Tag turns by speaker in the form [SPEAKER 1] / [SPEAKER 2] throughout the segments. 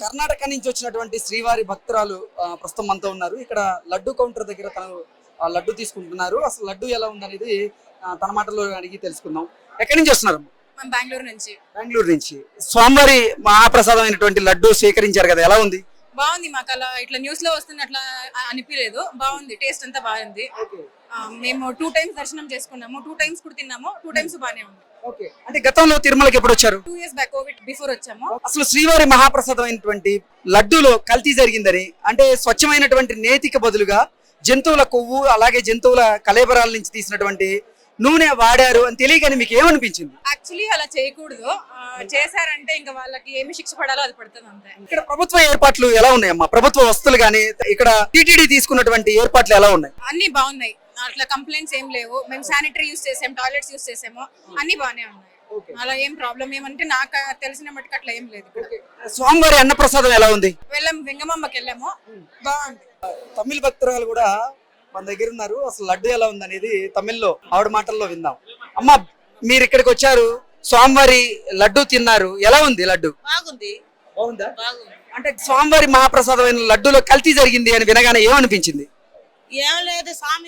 [SPEAKER 1] కర్ణాటక నుంచి వచ్చినటువంటి శ్రీవారి భక్తురాలు ప్రస్తుతం మనతో ఉన్నారు. ఇక్కడ లడ్డు కౌంటర్ దగ్గర తను లడ్డు తీసుకుంటున్నారు. అసలు లడ్డు ఎలా ఉందనేది తన మాటల్లో అడిగి తెలుసుకుందాం. ఎక్కడి నుంచి వస్తున్నారు?
[SPEAKER 2] బెంగళూరు నుంచి.
[SPEAKER 1] బెంగళూరు నుంచి. స్వామివారి మహాప్రసాదం అయినటువంటి లడ్డు స్వీకరించారు కదా, ఎలా ఉంది?
[SPEAKER 2] బాగుంది. మాకు అలా ఇట్లా న్యూస్ లో వస్తుంది అట్లా అనిపించలేదు. బాగుంది, టేస్ట్ అంతా బాగుంది. మేము 2 times దర్శనం చేసుకున్నాము, 2 times కూడా తిన్నాము, 2 times బాగానే ఉంది.
[SPEAKER 1] అంటే గతంలో తిరుమలకి ఎప్పుడు వచ్చారు?
[SPEAKER 2] 2 years బ్యాక్, కోవిడ్ బిఫోర్ వచ్చాము.
[SPEAKER 1] అసలు శ్రీవారి మహాప్రసాదం అయినటువంటి లడ్డూలో కల్తీ జరిగిందని, అంటే స్వచ్ఛమైనటువంటి నేతికి బదులుగా జంతువుల కొవ్వు అలాగే జంతువుల కలేబరాల నుంచి తీసినటువంటి నూనె వాడారు అని తెలియగానే మీకు ఏమనిపించింది?
[SPEAKER 2] యాక్చువల్లీ అలా చేయకూడదు. చేశారంటే ఇంకా వాళ్ళకి ఏమి శిక్ష పడాలో అది పడుతుంది అంతే.
[SPEAKER 1] ఇక్కడ ప్రభుత్వ ఏర్పాట్లు ఎలా ఉన్నాయమ్మా? ప్రభుత్వ వస్తువులు గానీ ఇక్కడ టీటీడీ తీసుకున్నటువంటి ఏర్పాట్లు ఎలా ఉన్నాయి?
[SPEAKER 2] అన్ని బాగున్నాయి, అట్లా కంప్లైంట్స్ ఏం లేవు. మేము శానిటరీ యూస్ చేసాము, టాయిలెట్స్ యూస్ చేసాము, అన్ని బాగానే ఉన్నాయి. అలా ఏం ప్రాబ్లం ఏమంటే నాకు తెలిసిన మట్టుకు అట్లా ఏం లేదు.
[SPEAKER 1] స్వామివారి అన్నప్రసాదం ఎలా ఉంది?
[SPEAKER 2] వెళ్ళాము, వెంగమ్మకి వెళ్ళాము, బాగుంది.
[SPEAKER 1] తమిళ భక్తురాలు కూడా మన దగ్గర ఉన్నారు. అసలు లడ్డు ఎలా ఉంది అనేది తమిళ్లో ఆవిడ మాటల్లో విందాం. అమ్మా, మీరు ఇక్కడికి వచ్చారు, స్వామివారి లడ్డు తిన్నారు, ఎలా ఉంది లడ్డు?
[SPEAKER 3] బాగుంది.
[SPEAKER 1] బాగుందా? అంటే స్వామివారి మహాప్రసాదమైన లడ్డూలో కల్తీ జరిగింది అని వినగానే ఏమనిపించింది?
[SPEAKER 3] ఏం లేదు சாமி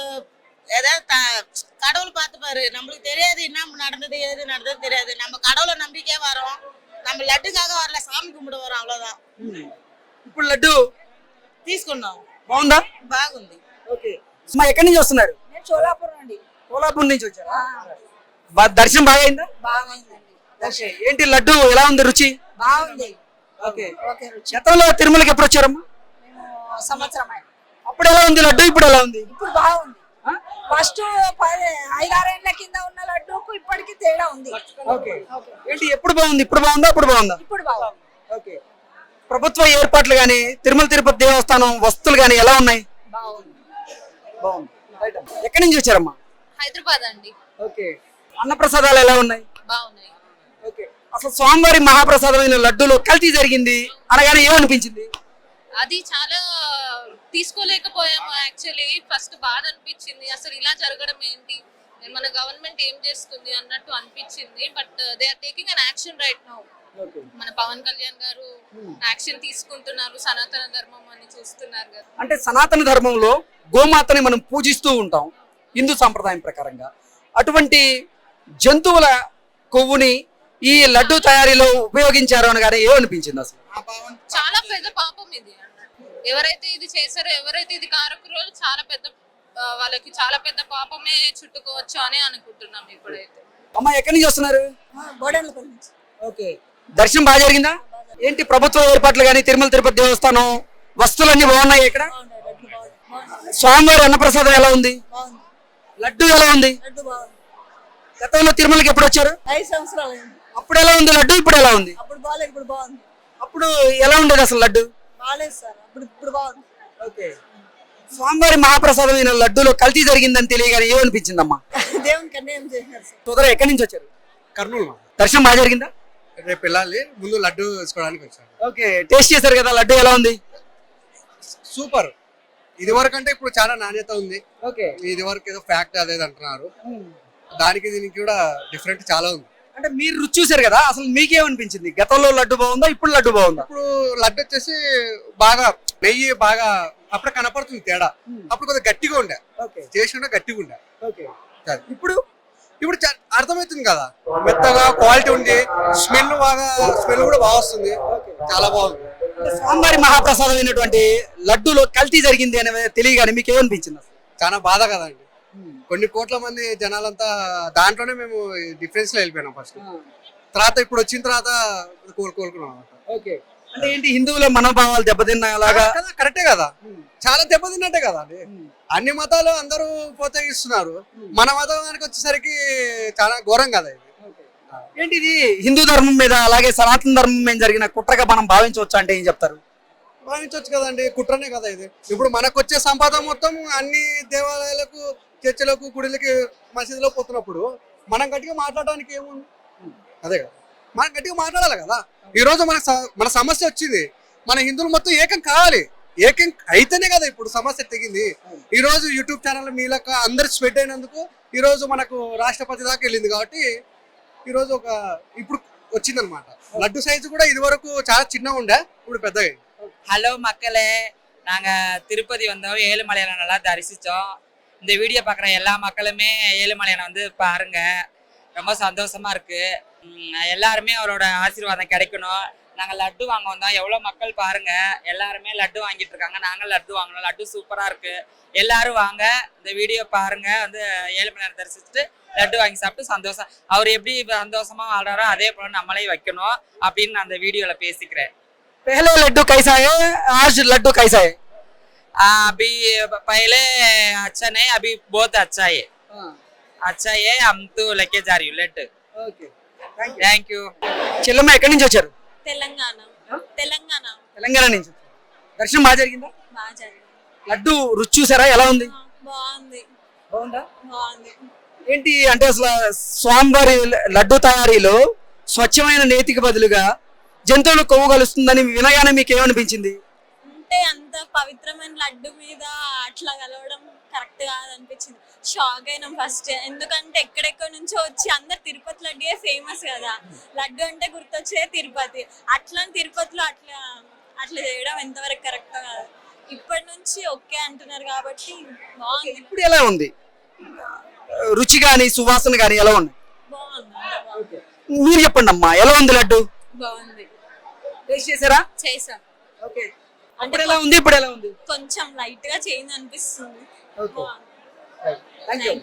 [SPEAKER 3] ஏதோ கடவுள் பார்த்து பாரு, நம்மளுக்கு தெரியாது என்ன நடந்தது ஏது நடந்தது தெரியாது. நம்ம கடவுளை நம்பிக்கே வரோம், நம்ம லட்டுக்காக வரல, சாமி கும்பிட வரோம், அவ்வளவுதான்.
[SPEAKER 1] ఇప్పుడు లడ్డు
[SPEAKER 3] తీసుకున్నాం.
[SPEAKER 1] బాగుందా?
[SPEAKER 3] బాగుంది.
[SPEAKER 1] ఓకే. అమ్మా, ఎక్కడి నుంచి వస్తున్నారు?
[SPEAKER 2] నేను చోళాపురం అండి.
[SPEAKER 1] కోలాపూర్ నుంచి వచ్చారా? దర్శనం బాగా అయిందా?
[SPEAKER 2] బాగుందండి.
[SPEAKER 1] ఓకే. ఏంటి లడ్డు ఎలా ఉంది రుచి?
[SPEAKER 2] బాగుంది.
[SPEAKER 1] ఓకే. గతంలో తిరుమలకి ఎప్పుడు వచ్చారమ్మా?
[SPEAKER 2] సంవత్సరం
[SPEAKER 1] అప్పుడు ఎలా ఉంది లడ్డు, ఇప్పుడు ఎలా ఉంది?
[SPEAKER 2] ఇప్పుడు బాగుంది. ఫస్ట్ 5-6 ఏళ్ల కింద ఉన్న లడ్డూకు ఇప్పటికి తేడా ఉంది.
[SPEAKER 1] ఓకే. ఏంటి ఎప్పుడు బాగుంది, ఇప్పుడు బాగుందా, అప్పుడు బాగుందా?
[SPEAKER 2] ఇప్పుడు బాగుంది.
[SPEAKER 1] ఓకే. ప్రభుత్వ ఏర్పాట్లు గానీ తిరుమల తిరుపతి దేవస్థానం వస్తువులు గానీ ఎలా ఉన్నాయి?
[SPEAKER 2] బాగుంది.
[SPEAKER 1] బాగుంది. ఎక్కడి నుంచి వచ్చారమ్మా?
[SPEAKER 2] హైదరాబాద్ అండి.
[SPEAKER 1] ఓకే. అన్నప్రసాదాలు ఎలా ఉన్నాయి?
[SPEAKER 2] బాగున్నాయి.
[SPEAKER 1] ఓకే. అసలు స్వామివారి మహాప్రసాదమైన లడ్డూలో కల్తీ జరిగింది అనగానే ఏమనిపించింది?
[SPEAKER 4] అది చాలా తీసుకోలేకపోయాము. యాక్చువల్లీ ఫస్ట్ బాధ అనిపించింది, అసలు ఇలా జరగడం ఏంటి, మన గవర్నమెంట్ ఏం చేస్తుంది అన్నట్టు అనిపించింది. But they are taking an action right now. మన పవన్ కళ్యాణ్ గారు యాక్షన్ తీసుకుంటున్నారు, సనాతన ధర్మం అని చూస్తున్నారు కదా.
[SPEAKER 1] అంటే సనాతన ధర్మంలో గోమాతని మనం పూజిస్తూ ఉంటాం హిందూ సాంప్రదాయం ప్రకారంగా. అటువంటి జంతువుల కొవ్వుని ఈ లడ్డు తయారీలో ఉపయోగించారు అనగానే ఏమనిపించింది అసలు?
[SPEAKER 4] చాలా పెద్ద పాపం ఇది అన్నట్టు. ఎవరైతే ఇది చేశారో, ఎవరైతే ఇది కారకురో చాలా పెద్ద వాళ్ళకి చాలా పెద్ద పాపమే చుట్టుకోవచ్చు అని అనుకుంటున్నాం ఇప్పుడైతే.
[SPEAKER 1] అమ్మా, ఎక్కడి నుంచి వస్తున్నారు?
[SPEAKER 2] బోడెలపల్లి నుంచి.
[SPEAKER 1] ఓకే. దర్శనం బాగా జరిగిందా? ఏంటి ప్రభుత్వ ఏర్పాట్లు కానీ తిరుమల తిరుపతి దేవస్థానం వస్తువులన్నీ బాగున్నాయి ఇక్కడ? స్వామివారి అన్నప్రసాదం ఎలా ఉంది? లడ్డు ఎలా ఉంది? గతంలో తిరుమలకి ఎప్పుడు వచ్చారు?
[SPEAKER 2] 5 సంవత్సరాలు.
[SPEAKER 1] అప్పుడు ఎలా ఉంది లడ్డు, ఇప్పుడు ఎలా ఉంది?
[SPEAKER 2] అప్పుడు బాగాలేదు, ఇప్పుడు బాగుంది.
[SPEAKER 1] అప్పుడు ఎలా ఉండేది అసలు లడ్డు?
[SPEAKER 2] బాగాలేదు సార్, ఇప్పుడు బాగుంది.
[SPEAKER 1] ఓకే. స్వామివారి మహాప్రసాదమైన లడ్డూలో కల్తీ జరిగిందని తెలియగానే ఏమనిపించిందమ్మా?
[SPEAKER 2] దేవునికి అన్యాయం చేసినారు సార్.
[SPEAKER 1] సోదరా, ఎక్కడి నుంచి వచ్చారు?
[SPEAKER 5] కర్నూలు.
[SPEAKER 1] దర్శనం బాగా జరిగిందా?
[SPEAKER 5] రేపు వెళ్ళాలి, ముందు లడ్డు తీసుకోవడానికి వచ్చాను.
[SPEAKER 1] ఓకే. టేస్ట్ చేశారు కదా, లడ్డు ఎలా ఉంది?
[SPEAKER 5] సూపర్. ఇది వరకు అంటే ఇప్పుడు చాలా నాణ్యత ఉంది.
[SPEAKER 1] ఓకే.
[SPEAKER 5] ఇది వరకు ఏదో ఫ్యాక్ట్ అదేది అంటున్నారు, దానికి దీనికి కూడా డిఫరెంట్ చాలా ఉంది.
[SPEAKER 1] అంటే మీరు రుచి చూసారు కదా, అసలు మీకేమనిపించింది? గతంలో లడ్డు బాగుందా, ఇప్పుడు లడ్డు బాగుందా?
[SPEAKER 5] ఇప్పుడు లడ్డు వచ్చేసి బాగా నెయ్యి బాగా అప్పుడు కనపడుతుంది తేడా. అప్పుడు కొద్దిగా గట్టిగా ఉండే, చేసి ఉండే గట్టిగా ఉండే. ఇప్పుడు ఇప్పుడు అర్థమవుతుంది కదా, మెత్తగా క్వాలిటీ ఉంది, స్మెల్ కూడా బాగా వస్తుంది, చాలా బాగుంది.
[SPEAKER 1] స్వామివారి మహాప్రసాదం అయినటువంటి లడ్డూలో కల్తీ జరిగింది అని తెలియగానే మీకు ఏమనిపించింది?
[SPEAKER 5] చాలా బాధ కదండి. కొన్ని కోట్ల మంది జనాలంతా దాంట్లోనే మేము డిఫరెన్స్ లో వెళ్ళిపోయినాం ఫస్ట్. తర్వాత ఇప్పుడు వచ్చిన తర్వాత కోలుకున్నాం.
[SPEAKER 1] ఓకే. అంటే ఏంటి, హిందువుల మనోభావాలు దెబ్బతిన్నా అలాగా?
[SPEAKER 5] కరెక్టే కదా, చాలా దెబ్బతిన్నట్టే కదా అండి. అన్ని మతాలు అందరూ ప్రోత్సహిస్తున్నారు, మన మతానికి వచ్చేసరికి చాలా ఘోరం కదా ఇది.
[SPEAKER 1] ఏంటి ఇది హిందూ ధర్మం మీద అలాగే సనాతన ధర్మం మీద జరిగిన కుట్రగా మనం భావించవచ్చు అంటే ఏం చెప్తారు?
[SPEAKER 5] భావించవచ్చు కదండి, కుట్రనే కదా ఇది. ఇప్పుడు మనకు వచ్చే సంపద మొత్తం అన్ని దేవాలయాలకు, చర్చలకు, గుడిలకి, మసీదులో పోతున్నప్పుడు మనం గట్టిగా మాట్లాడడానికి ఏముంది? అదే కదా, మనం గట్టిగా మాట్లాడాలి కదా. ఈ రోజు మన సమస్య వచ్చింది, మన హిందువులు మొత్తం ఏకం కావాలి, ఏకం అయితేనే కదా ఇప్పుడు సమస్య తెగింది. ఈ రోజు యూట్యూబ్ ఛానల్ మీలక అందరు స్ప్రెడ్ అయినందుకు ఈ రోజు మనకు రాష్ట్రపతి దాకా వెళ్ళింది. కాబట్టి ఈ రోజు ఇప్పుడు వచ్చిందనమాట. లడ్డు సైజు కూడా ఇది వరకు చాలా చిన్నగా ఉండే, ఇప్పుడు పెద్దగా
[SPEAKER 6] ஹலோ மக்களே, நாங்க திருப்பதி வந்தோம், ஏழுமலையானை நல்லா தரிசிச்சோம். இந்த வீடியோ பார்க்குற எல்லா மக்களுமே ஏழுமலையானை வந்து பாருங்க, ரொம்ப சந்தோஷமா இருக்கு. எல்லாருமே அவரோட ஆசீர்வாதம் கிடைக்கணும். நாங்கள் லட்டு வாங்க வந்தோம், எவ்வளோ மக்கள் பாருங்க, எல்லாருமே லட்டு வாங்கிட்டு இருக்காங்க. நாங்கள் லட்டு வாங்கினோம், லட்டு சூப்பராக இருக்கு. எல்லாரும் வாங்க, இந்த வீடியோ பாருங்க, வந்து ஏழுமலையானை தரிசிச்சுட்டு லட்டு வாங்கி சாப்பிட்டு சந்தோஷம். அவர் எப்படி சந்தோஷமா வாழ்றாரோ அதே போல நம்மளே வைக்கணும் அப்படின்னு நான் அந்த வீடியோல பேசிக்கிறேன்.
[SPEAKER 1] पहले लड्डू कैसा है, आज लड्डू कैसा है?
[SPEAKER 6] अभी पहले अच्छा नहीं, अभी बहुत अच्छा है. अच्छा है, हम तो लेके जा रही हूँ लड्डू.
[SPEAKER 1] Okay
[SPEAKER 6] thank you.
[SPEAKER 1] చెల్లమ్మ ఎక్కడి నుంచి వచ్చారు?
[SPEAKER 2] తెలంగాణ తెలంగాణ
[SPEAKER 1] తెలంగాణ నుంచి వచ్చారు. దర్శనం బాగా జరిగిందా?
[SPEAKER 2] బాగా జరిగింది.
[SPEAKER 1] లడ్డు రుచి చూసారా, ఎలా ఉంది?
[SPEAKER 2] బాగుంది
[SPEAKER 1] బాగుందా?
[SPEAKER 2] బాగుంది.
[SPEAKER 1] ఏంటి అంటే అసలు స్వామివారి లడ్డు తయారీలో స్వచ్ఛమైన నేతికి బదులుగా జంతువులు కొవ్వు కలుస్తుందని వినగానే మీకు ఏమనిపించింది?
[SPEAKER 2] అంటే అంత పవిత్రమైన లడ్డు మీద అట్లా కలవడం కరెక్ట్ కాదనిపించింది. షాక్ అయినాం ఫస్ట్, ఎందుకంటే ఎక్కడెక్కడి నుంచో వచ్చి అందరు తిరుపతి లడ్డే ఫేమస్ కదా, లడ్డు అంటే గుర్తొచ్చే తిరుపతి. అట్లా తిరుపతిలో అట్లా అట్లా చేయడం ఎంతవరకు కరెక్ట్ కాదు. ఇప్పటి నుంచి ఓకే అంటున్నారు కాబట్టి బాగుంది.
[SPEAKER 1] ఇప్పుడు ఎలా ఉంది రుచి కానీ సువాసన కానీ ఎలా ఉంది?
[SPEAKER 2] బాగుంది.
[SPEAKER 1] మీరు చెప్పండి అమ్మా, ఎలా ఉంది లడ్డు?
[SPEAKER 2] బాగుంది.
[SPEAKER 1] టేస్ట్ చేశారా?
[SPEAKER 2] చేసాం.
[SPEAKER 1] ఓకే. అప్పుడు ఎలా ఉంది, ఇప్పుడు ఎలా ఉంది?
[SPEAKER 2] కొంచెం లైట్ గా చేంజ్ అనిపిస్తుంది.
[SPEAKER 1] ఓకే.
[SPEAKER 2] బాగుంది.
[SPEAKER 1] Thank you.